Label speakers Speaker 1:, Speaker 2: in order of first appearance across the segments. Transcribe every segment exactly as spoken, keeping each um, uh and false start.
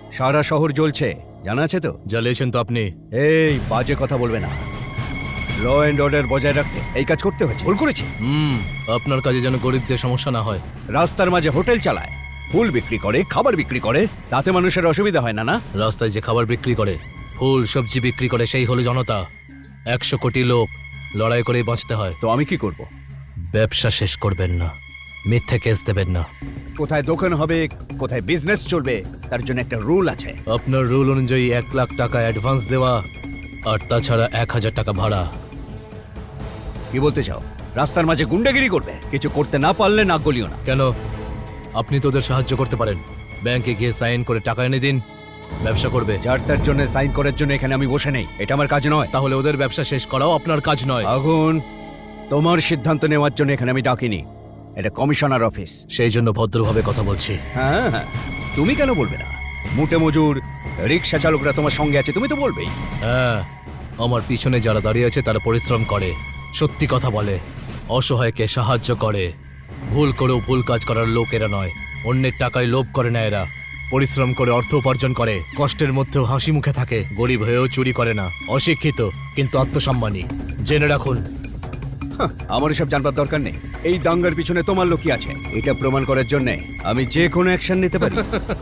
Speaker 1: সারা শহর জ্বলছে, জানা আছে তো?
Speaker 2: জ্বালিয়েছেন তো আপনি।
Speaker 1: এই বাজে কথা বলবে না। ল এন্ড অর্ডার বজায় রাখতে এই কাজ করতে হয়েছে। ভুল করেছি।
Speaker 2: হুম আপনার কাজে যেন গরিবদের সমস্যা না হয়।
Speaker 1: রাস্তার মাঝে হোটেল চালায়, ফুল বিক্রি করে, খাবার বিক্রি করে, তাতে মানুষের অসুবিধা হয় না না?
Speaker 2: রাস্তায় যে খাবার বিক্রি করে, ফুল সবজি বিক্রি করে, সেই হলো জনতা। একশো কোটি লোক লড়াই করেই বাঁচতে হয়।
Speaker 1: তো আমি কি করব?
Speaker 2: ব্যবসা শেষ করবেন না, মিথ্যে কেস দেবেন না।
Speaker 1: কোথায় দোকান হবে, কোথায় বিজনেস চলবে, তার জন্য একটা রুল আছে।
Speaker 2: আপনার রুল অনুযায়ী এক লাখ টাকা অ্যাডভান্স দেওয়া, আর তাছাড়া এক হাজার টাকা ভাড়া।
Speaker 1: কি বলতে চাও? রাস্তার মাঝে গুন্ডাগিরি করবে? কিছু করতে না পারলে নাক গলিও না।
Speaker 2: কেন? আপনি তো ওদের সাহায্য করতে পারেন। ব্যাংকে গিয়ে সাইন করে টাকা এনে দিন, ব্যবসা করবে।
Speaker 1: যার তার জন্য সাইন করার জন্য এখানে আমি বসে নেই, এটা আমার কাজ নয়।
Speaker 2: তাহলে ওদের ব্যবসা শেষ করাও আপনার কাজ নয়।
Speaker 1: আগুন, তোমার সিদ্ধান্ত নেওয়ার জন্য এখানে আমি ডাকিনি, এটা কমিশনার অফিস।
Speaker 2: সেই জন্য ভদ্রভাবে কথা বলছি।
Speaker 1: হ্যাঁ হ্যাঁ, তুমি কেন বলবে না? মুটে মজুর রিক্সা চালকরা তোমার সঙ্গে আছে, তুমি তো বলবেই।
Speaker 2: হ্যাঁ, আমার পিছনে যারা দাঁড়িয়ে আছে তারা পরিশ্রম করে, সত্যি কথা বলে, অসহায়কে সাহায্য করে। ভুল করেও ভুল কাজ করার লোক এরা নয়। অন্যের টাকায় লোভ করে না এরা। পরিশ্রম করে অর্থ উপার্জন করে, কষ্টের মধ্যেও হাসি মুখে থাকে। গরিব হয়েও চুরি করে না, অশিক্ষিত কিন্তু আত্মসম্মানী। জেনে রাখুন।
Speaker 1: হাহ, আমার এসব জানবার দরকার নেই। এই দাঙ্গার পিছনে তোমার লোকই আছে, এটা প্রমাণ করার জন্য আমি যে কোনো অ্যাকশন নিতে পারি।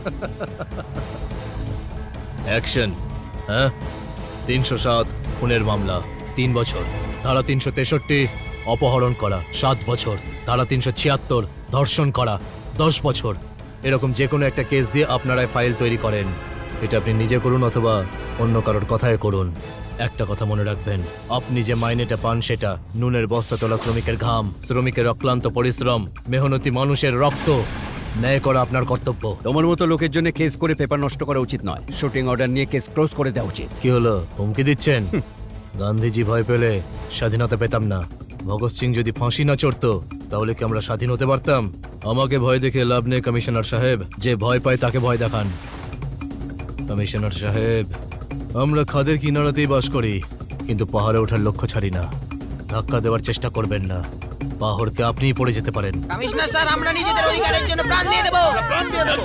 Speaker 2: অ্যাকশন? হ্যাঁ, তিনশো সাত খুনের মামলা তিন বছর, ধারা তিনশো তেষট্টি অপহরণ করা সাত বছর, ধারা তিনশো ছিয়াত্তর ধর্ষণ করা দশ বছর। এরকম যে কোনো একটা কেস দিয়ে আপনারাই ফাইল তৈরি করেন। এটা আপনি নিজে করুন অথবা অন্য কারোর কথায় করুন। একটা কথা মনে রাখবেন, আপনি যে মাইনেটা পান সেটা নুনের বস্তা তোলা শ্রমিকের ঘাম, শ্রমিকের অক্লান্ত পরিশ্রম, মেহনতি মানুষের রক্ত। ন্যায় করা আপনার কর্তব্য।
Speaker 1: তোমার মতো লোকের জন্য কেস করে পেপার নষ্ট করা উচিত নয়। শুটিং অর্ডার নিয়ে কেস ক্লোজ করে দেওয়া উচিত।
Speaker 2: কি হলো, হুমকি দিচ্ছেন? গান্ধীজি ভয় পেলে স্বাধীনতা পেতাম না। ভগৎ সিং যদি ফাঁসি না চড়তো তাহলে কি আমরা স্বাধীন হতে পারতাম? আমাকে ভয় দেখে লাভ নেই কমিশনার সাহেব। যে ভয় পায় তাকে ভয় দেখান। কমিশনার সাহেব, আমরা খাদের কিনারাতেই বাস করি, কিন্তু পাহাড়ে ওঠার লক্ষ্য ছাড়ি না। ধাক্কা দেওয়ার চেষ্টা করবেন না, পাহাড়কে আপনিই পড়ে যেতে পারেন।
Speaker 3: কমিশনার স্যার, আমরা নিজেদের অধিকারের জন্য প্রাণ দিয়ে দেব। প্রাণ দিয়ে দেব।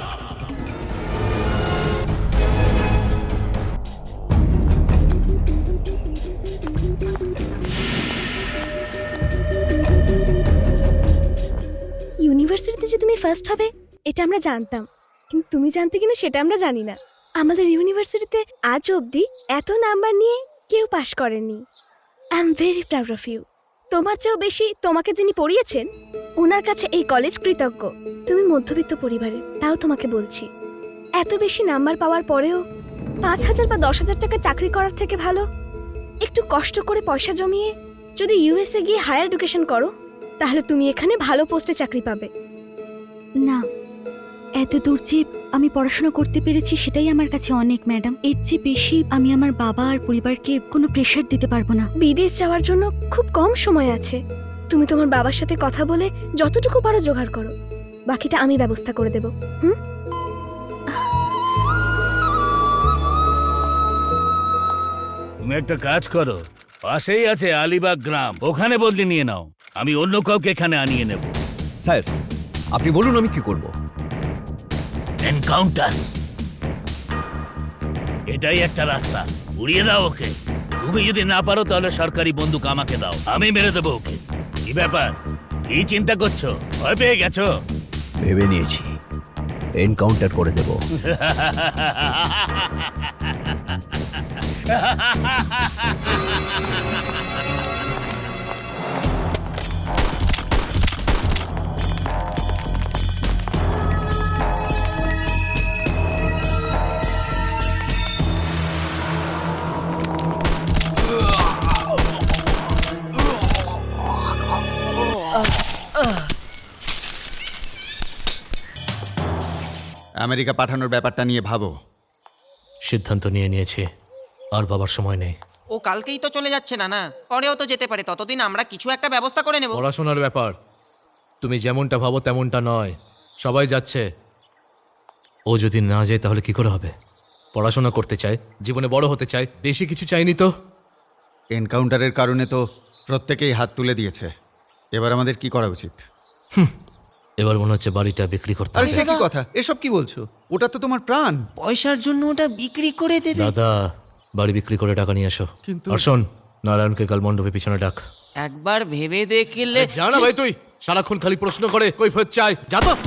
Speaker 4: ইউনিভার্সিটিতে যে তুমি ফার্স্ট হবে এটা আমরা জানতাম, কিন্তু তুমি জানতে কিনা সেটা আমরা জানি না। আমাদের ইউনিভার্সিটিতে আজ অবধি এত নাম্বার নিয়ে কেউ পাশ করেনি। I am very proud of you. তোমার চেয়েও বেশি তোমাকে যিনি পড়িয়েছেন ওনার কাছে এই কলেজ কৃতজ্ঞ। তুমি মধ্যবিত্ত পরিবারের, তাও তোমাকে বলছি, এত বেশি নাম্বার পাওয়ার পরেও পাঁচ হাজার বা দশ হাজার টাকা চাকরি করার থেকে ভালো একটু কষ্ট করে পয়সা জমিয়ে যদি ইউএসএ গিয়ে হায়ার এডুকেশন করো, তাহলে তুমি এখানে ভালো পোস্টে চাকরি পাবে।
Speaker 5: না, এত দূর যে আমি পড়াশোনা করতে পেরেছি সেটাই আমার কাছে অনেক ম্যাডাম। এর চেয়ে বেশি আমি আমার বাবা আর পরিবারকে কোনো প্রেশার দিতে পারবো না।
Speaker 4: বিদেশ যাওয়ার জন্য খুব কম সময় আছে। তুমি তোমার বাবার সাথে কথা বলে যতটুকু পারো জোগাড় করো, বাকিটা আমি ব্যবস্থা করে দেব। হুম,
Speaker 6: তুমি একটা কাজ করো, পাশেই আছে আলিবাগ গ্রাম, ওখানে বদলি নিয়ে নাও। আমি অন্য কাউকে এখানে আনিয়ে নেব।
Speaker 1: স্যার, আপনি বলুন আমি কি করব।
Speaker 6: এনকাউন্টার, এটাই একটা রাস্তা। উড়িয়ে দাও ওকে। তুমি যদি না পারো তাহলে সরকারি বন্দুক আমাকে দাও, আমি মেরে দেবো ওকে। কি ব্যাপার, কি চিন্তা করছো? ভয় পেয়ে গেছো?
Speaker 1: ভেবে নিয়েছি, এনকাউন্টার করে দেব।
Speaker 7: আমেরিকা পাঠানোর ব্যাপারটা নিয়ে ভাবো।
Speaker 2: সিদ্ধান্ত নিয়ে নিয়েছি, আর বাবার সময় নেই।
Speaker 3: ও কালকেই তো চলে যাচ্ছে না না, পরেও তো যেতে পারে। ততদিন আমরা কিছু একটা ব্যবস্থা করে নেব।
Speaker 2: পড়াশোনার ব্যাপার, তুমি যেমনটা ভাবো তেমনটা নয়। সবাই যাচ্ছে, ও যদি না যায় তাহলে কি করে হবে? পড়াশোনা করতে চায়, জীবনে বড় হতে চায়, বেশি কিছু চাইনি তো।
Speaker 7: এনকাউন্টারের কারণে তো প্রত্যেকেই হাত তুলে দিয়েছে, এবার আমাদের কি করা উচিত?
Speaker 2: এবার মনে হচ্ছে বাড়িটা বিক্রি করতে
Speaker 7: আরে
Speaker 2: হবে।
Speaker 7: সে কি কথা, এসব কি বলছো? ওটা তো তোমার প্রাণ।
Speaker 3: পয়সার জন্য ওটা বিক্রি করে দেবে?
Speaker 2: দাদা বাড়ি বিক্রি করে টাকা নিয়ে এসো।
Speaker 7: কিন্তু-
Speaker 2: আর শোন, নারায়ণকে কাল মণ্ডপে পিছনে ডাক।
Speaker 3: একবার ভেবে দেখলে
Speaker 2: যা না ভাই, তুই সারাক্ষণ খালি প্রশ্ন করে কৈফিয়ত চাই, যা তো।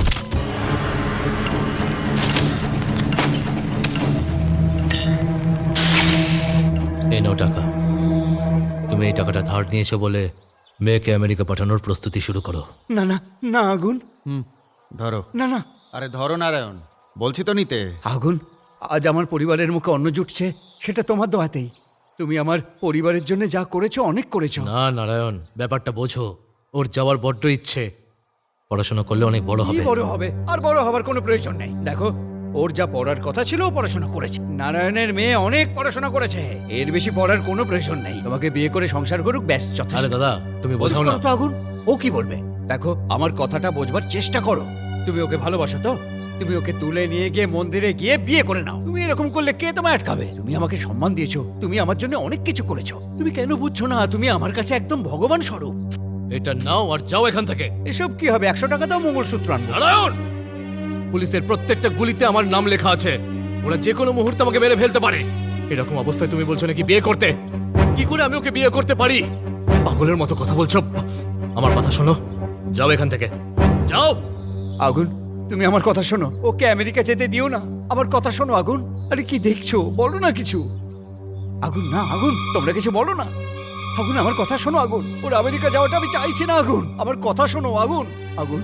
Speaker 2: এই নাও টাকা। তুমি এই টাকাটা ধার নিয়েছো বলে মেয়েকে আমেরিকা পাঠানোর প্রস্তুতি শুরু করো।
Speaker 1: না না না আগুন,
Speaker 7: হুম, ধরো।
Speaker 1: না না
Speaker 7: আরে ধরো নারায়ণ, বলছি তো নিতে।
Speaker 1: আগুন, আজ আমার পরিবারের মুখে অন্ন জুটছে সেটা তোমার দোয়াতেই। তুমি আমার পরিবারের জন্য যা করেছো অনেক করেছো।
Speaker 2: না নারায়ণ, ব্যাপারটা বোঝো। ওর যাওয়ার বড্ড ইচ্ছে, পড়াশোনা করলে অনেক বড়
Speaker 1: কি
Speaker 2: হবে।
Speaker 1: বড় হবে? আর বড় হবার কোনো প্রয়োজন নেই। দেখো, ওর যা পড়ার কথা ছিল ও পড়াশোনা করেছে। নারায়ণের মেয়ে অনেক পড়াশোনা করেছে, এর বেশি পড়ার কোনো প্রয়োজন নেই। তোমাকে বিয়ে করে সংসার করুক, ব্যাস যথেষ্ট।
Speaker 2: আরে দাদা তুমি বোঝাও না।
Speaker 1: বলছো তো আগুন, ও কি বলবে? দেখো, আমার কথাটা বোঝবার চেষ্টা করো। তুমি ওকে ভালোবাসো তো? তুমি ওকে তুলে নিয়ে গিয়ে মন্দিরে গিয়ে বিয়ে করে নাও। তুমি এরকম করলে কে তোমায় আটকাবে? তুমি আমাকে সম্মান দিয়েছো, তুমি আমার জন্য অনেক কিছু করেছো। তুমি কেন বুঝছো না? তুমি আমার কাছে একদম ভগবান স্বরূপ।
Speaker 2: এটা নাও আর যাও এখান থেকে।
Speaker 1: এসব কি হবে? একশো টাকা দাও, মঙ্গলসূত্র আনবো।
Speaker 2: নারায়ণ, পুলিশের প্রত্যেকটা গুলিতে আমার নাম লেখা আছে। ওরা যে কোনো মুহূর্তে আমাকে মেরে ফেলতে পারে। এরকম অবস্থায় তুমি বলছো নাকি বিয়ে করতে? কি করে আমি ওকে বিয়ে করতে পারি? পাগলের মতো কথা বলছো। আমার কথা শোনো, যাও এখান থেকে, যাও।
Speaker 1: আগুন, তুমি আমার কথা শোনো, ওকে আমেরিকা যেতে দিও না। আমার কথা শোনো আগুন। আরে কি দেখছো? বলো না কিছু। আগুন, না আগুন, তোমরা কিছু বলো না। আগুন, আমার কথা শোনো আগুন। ওর আমেরিকা যাওয়াটা আমি চাইছি না আগুন। আমার কথা শোনো আগুন। আগুন,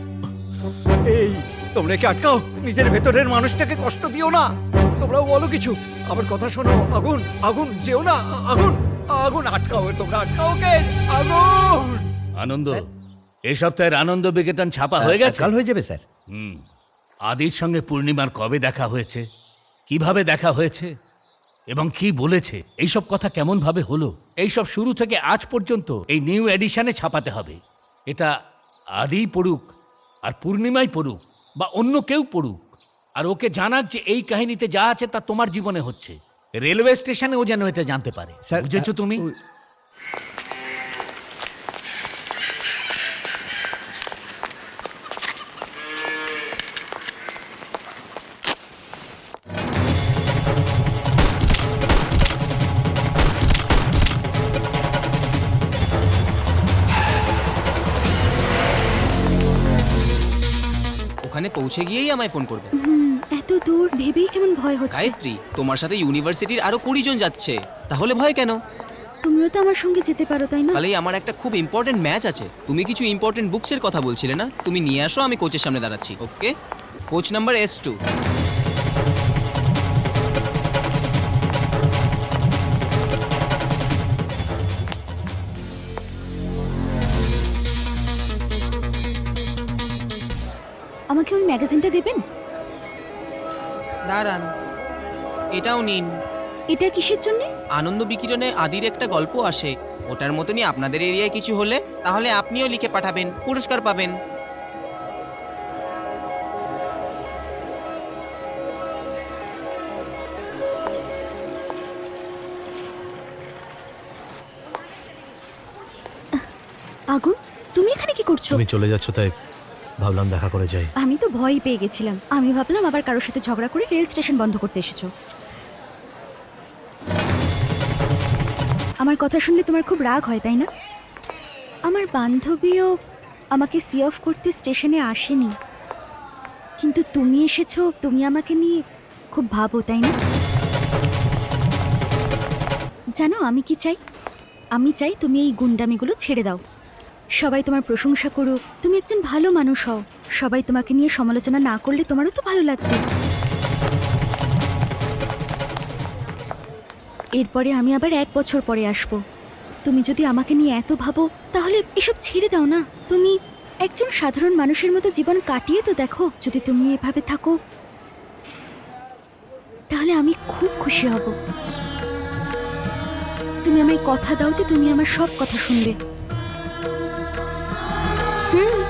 Speaker 1: এই তোমরা কি আটকাও? নিজের ভেতরের মানুষটাকে কষ্ট দিও না। তোমরাও বলো কিছু। আমার কথা শোনো আগুন। আগুন, যেও না। আগুন, আগুন, আটকাও, তোমরা আটকাও কে? আগুন।
Speaker 6: আনন্দ, এই সপ্তাহের আনন্দ বিকেতন ছাপা হয়ে গেছে?
Speaker 1: কাল হয়ে যাবে স্যার।
Speaker 6: হুম। আদির সঙ্গে পূর্ণিমার কবে দেখা হয়েছে, কিভাবে দেখা হয়েছে এবং কি বলেছে, এইসব কথা কেমন ভাবে হলো, এইসব শুরু থেকে আজ পর্যন্ত এই নিউ এডিশনে ছাপাতে হবে। এটা আদি পড়ুক আর পূর্ণিমাই পড়ুক বা অন্য কেউ পড়ুক, আর ওকে জানাক যে এই কাহিনীতে যা আছে তা তোমার জীবনে হচ্ছে। রেলওয়ে স্টেশনে ও যেন এটা জানতে পারে।
Speaker 1: স্যার,
Speaker 6: বুঝেছো তুমি?
Speaker 1: ওই-
Speaker 8: ওখানে পৌঁছে গিয়েই আমায় ফোন করবে।
Speaker 5: হুম, এত দূর ভেবেই কেমন ভয় হচ্ছে।
Speaker 8: গায়ত্রী, তোমার সাথে ইউনিভার্সিটির আরো কুড়ি জন যাচ্ছে, তাহলে ভয় কেন?
Speaker 5: তুমিও তো আমার সঙ্গে যেতে পারো, তাই না?
Speaker 8: তাহলেই আমার একটা খুব ইম্পর্টেন্ট ম্যাচ আছে। তুমি কিছু ইম্পর্টেন্ট বুকসের কথা বলছিলে না? তুমি নিয়ে আসো, আমি কোচের সামনে দাঁড়াচ্ছি। Okay, coach number S two.
Speaker 5: আমাকে ওই ম্যাগাজিনটা দেবেন?
Speaker 8: দাঁড়ান, এটাও নিন।
Speaker 5: এটা কিসের জন্য?
Speaker 8: আনন্দ বিকিরণে আদির একটা গল্প আসে, ওটার মতনই আপনাদের এরিয়ায় কিছু হলে তাহলে আপনিও লিখে পাঠাবেন, পুরস্কার পাবেন।
Speaker 5: আগুন, তুমি এখানে কি করছো?
Speaker 2: তুমি চলে যাচ্ছ তাই ভাবলাম দেখা করে যাই।
Speaker 5: আমি তো ভয় পেয়ে গেছিলাম। আমি ভাবলাম আবার কারোর সাথে ঝগড়া করে রেল স্টেশন বন্ধ করতে এসেছো। আমার কথা শুনলে তোমার খুব রাগ হয়, তাই না? আমার বান্ধবীও আমাকে সি অফ করতে স্টেশনে আসেনি, কিন্তু তুমি এসেছো। তুমি আমাকে নিয়ে খুব ভাবো, তাই না? জানো আমি কি চাই? আমি চাই তুমি এই গুন্ডামিগুলো ছেড়ে দাও। সবাই তোমার প্রশংসা করুক, তুমি একজন ভালো মানুষ হও। সবাই তোমাকে নিয়ে সমালোচনা না করলে তোমারও তো ভালো লাগবে। এরপরে আমি আবার এক বছর পরে আসব। তুমি যদি আমাকে নিয়ে এত ভাবো তাহলে এসব ছেড়ে দাও না। তুমি একজন সাধারণ মানুষের মতো জীবন কাটিয়ে তো দেখো। যদি তুমি এভাবে থাকো তাহলে আমি খুব খুশি হব। তুমি আমায় কথা দাও যে তুমি আমার সব কথা শুনবে।
Speaker 4: হুম